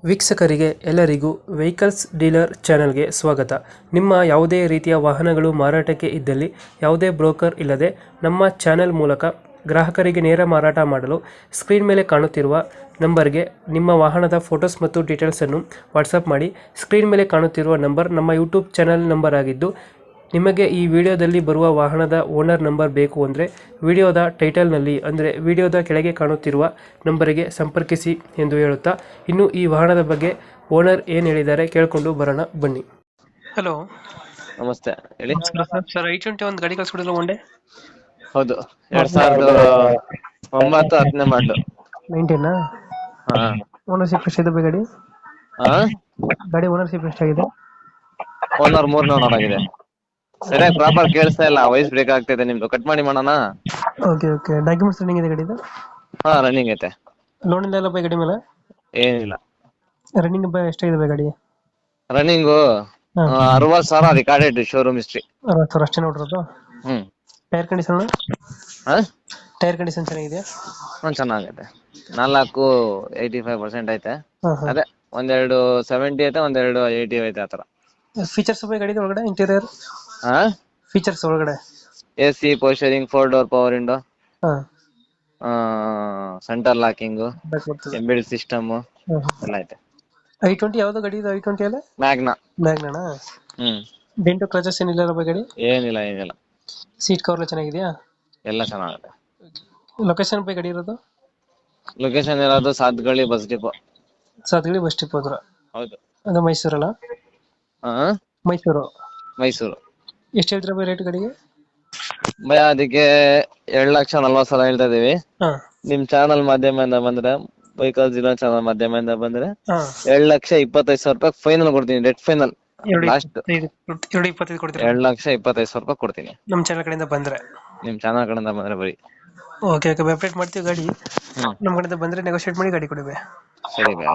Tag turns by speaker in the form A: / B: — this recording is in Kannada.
A: ವೀಕ್ಷಕರಿಗೆ ಎಲ್ಲರಿಗೂ ವೆಹಿಕಲ್ಸ್ ಡೀಲರ್ ಚಾನೆಲ್ಗೆ ಸ್ವಾಗತ. ನಿಮ್ಮ ಯಾವುದೇ ರೀತಿಯ ವಾಹನಗಳು ಮಾರಾಟಕ್ಕೆ ಇದ್ದಲ್ಲಿ ಯಾವುದೇ ಬ್ರೋಕರ್ ಇಲ್ಲದೆ ನಮ್ಮ ಚಾನೆಲ್ ಮೂಲಕ ಗ್ರಾಹಕರಿಗೆ ನೇರ ಮಾರಾಟ ಮಾಡಲು ಸ್ಕ್ರೀನ್ ಮೇಲೆ ಕಾಣುತ್ತಿರುವ ನಂಬರ್ಗೆ ನಿಮ್ಮ ವಾಹನದ ಫೋಟೋಸ್ ಮತ್ತು ಡೀಟೇಲ್ಸನ್ನು ವಾಟ್ಸಪ್ ಮಾಡಿ. ಸ್ಕ್ರೀನ್ ಮೇಲೆ ಕಾಣುತ್ತಿರುವ ನಂಬರ್ ನಮ್ಮ ಯೂಟ್ಯೂಬ್ ಚಾನೆಲ್ ನಂಬರ್ ಆಗಿದ್ದು, ನಿಮಗೆ ಈ ವಿಡಿಯೋದಲ್ಲಿ ಬರುವ ವಾಹನದ ಓನರ್ ನಂಬರ್ ಬೇಕು ಅಂದರೆ ವಿಡಿಯೋದ ಟೈಟಲ್ನಲ್ಲಿ ಅಂದರೆ ವಿಡಿಯೋದ ಕೆಳಗೆ ಕಾಣುತ್ತಿರುವ ನಂಬರಿಗೆ ಸಂಪರ್ಕಿಸಿ ಎಂದು ಹೇಳುತ್ತಾ, ಇನ್ನು ಈ ವಾಹನದ ಬಗ್ಗೆ ಓನರ್ ಏನು ಹೇಳಿದ್ದಾರೆ ಕೇಳಿಕೊಂಡು ಬರೋಣ ಬನ್ನಿ. ಹಲೋ,
B: ನಮಸ್ತೆ ಹೇಳಿ.
A: ಸರ್ I-20 ಒಂದು ಗಾಡಿ ಕಳ್ಸ್ಕೊಡಿಲ್ಲ ಒನ್ ಡೇ?
B: ಹೌದು, 2009-10 ಮಾಡಲು.
A: 19
B: ಹಾ
A: ಓನರ್ಶಿಪ್ ಎಷ್ಟಿದೆ ಗಾಡಿ?
B: ಹಾ
A: ಗಾಡಿ ಓನರ್ಶಿಪ್ ಎಷ್ಟಾಗಿದೆ?
B: ಓನರ್ 3 ಆಗಿದೆ. ಸರಿಯಾಗಿ ಪ್ರಾಪರ್ ಕೇಳಿಸ್ತಾ ಇಲ್ಲ, ವಾಯ್ಸ್ ಬ್ರೇಕ್ ಆಗ್ತಿದೆ ನಿಮ್ದು. ಕಟ್ ಮಾಡಿ ಮಾಡೋಣ.
A: Okay okay. ಡಾಕ್ಯುಮೆಂಟ್ಸ್ ರನ್ನಿಂಗ್ ಇದೆ ಗಾಡಿದು?
B: ಹಾ ರನ್ನಿಂಗ್ ಐತೆ,
A: ಲೋನ್ ಇಲ್ಲ ಬೈ ಗಾಡಿ ಮೇಲೆ?
B: ಏನಿಲ್ಲ.
A: ರನ್ನಿಂಗ್ ಬೈ ಎಷ್ಟಾಗಿದೆ ಬೈ ಗಾಡಿ?
B: Running 60,000 recorded showroom history.
A: 60,000 ಅಷ್ಟೇ ನೋಡಿರೋದು? Tyre condition?
B: ಹಾ
A: ಟೈರ್ ಕಂಡೀಷನ್ ಚೆನ್ನಾಗಿದೆಯಾ?
B: ಚೆನ್ನಾಗೈತೆ. 85% ಐತೆ.
A: ಹಾಂ ಹಾಂ.
B: ಅದೇ ಒಂದೆರಡು 70 ಐತೆ, ಒಂದೆರಡು 80 ಐತೆ. ಆತರ
A: ಫೀಚರ್ಸ್ ಬೈ ಗಾಡಿ ಒಳಗಡೆ ಇಂಟೀರಿಯರ್
B: ಹಾ
A: ಫೀಚರ್ಸ್ ಒಳಗಡೆ?
B: AC, power steering, 4 door power window,
A: ಹಾಂ,
B: ಸೆಂಟರ್ ಲಾಕಿಂಗ್,
A: ಬ್ಯಾಕ್ ಬರ್ತದೆ.
B: ಎಂಬೆಡೆಡ್ ಸಿಸ್ಟಮ್ ಎಲ್ಲ ಐತೆ.
A: I-20 ಯಾವ್ದು ಗಾಡಿ ಇದು? I-20 ಅಲ್ಲ
B: ಮ್ಯಾಗ್ನಾ.
A: ಮ್ಯಾಗ್ನಾ? ಡೆಂಟು ಕ್ರಚಸ್ ಏನಿಲ್ಲ ಬೈ ಗಾಡಿ?
B: ಏನಿಲ್ಲ.
A: ಸೀಟ್ ಕವರ್ ಎಲ್ಲ ಚೆನ್ನಾಗಿದೆಯಾ?
B: ಎಲ್ಲ ಚೆನ್ನಾಗುತ್ತೆ.
A: ಲೊಕೇಶನ್ ಬೈ ಗಾಡಿ ಇರೋದು?
B: ಲೊಕೇಶನ್ ಇರೋದು Sathagalli bus depot.
A: Sathagalli bus depot ಹತ್ರ?
B: ಹೌದು.
A: ಅದು ಮೈಸೂರಲ್ಲ?
B: ಹಾ
A: ಮೈಸೂರು.
B: ಮೈಸೂರು.
A: ಎಷ್ಟು ಹೇಳ್ತೀರಾ ಬೈ ರೇಟ್ ಗಾಡಿಗೆ?
B: ಭಯ ಅದಕ್ಕೆ 2,40,000 ಹೇಳ್ತಾ ಇದೀವಿ.
A: ಹಾಂ
B: ನಿಮ್ ಚಾನಲ್ ಮಾಧ್ಯಮದಿಂದ ಬಂದ್ರೆ, ವೆಹಿಕಲ್ ಜಿಲ್ಲಾ ಚಾನಲ್ ಮಾಧ್ಯಮದಿಂದ ಬಂದ್ರೆ
A: ಹಾಂ,
B: 2,25,000 ಫೈನಲ್ ಕೊಡ್ತೀನಿ. ಡೆಡ್ ಫೈನಲ್ ಲಾಸ್ಟ್
A: 2,25 ಕೊಡ್ತೀರಾ?
B: 2,25,000 ಕೊಡ್ತೀನಿ.
A: ನಮ್ಮ ಚಾನಲ್ ಕಡೆಯಿಂದ ಬಂದ್ರೆ?
B: ನಿಮ್ ಚಾನಲ್ ಕಡೆಯಿಂದ ಬಂದ್ರೆ ಬರೀ.
A: ಓಕೆ ಓಕೆ, ಅಪ್ಡೇಟ್ ಮಾಡ್ತೀವಿ ಗಾಡಿ. ನಮ್ಮ ಕಡೆಯಿಂದ ಬಂದರೆ ನೆಗೋಷಿಯೇಟ್ ಮಾಡಿ ಗಾಡಿ ಕೊಡಿ ಬೈ.
B: ಸರಿ ಬೈ.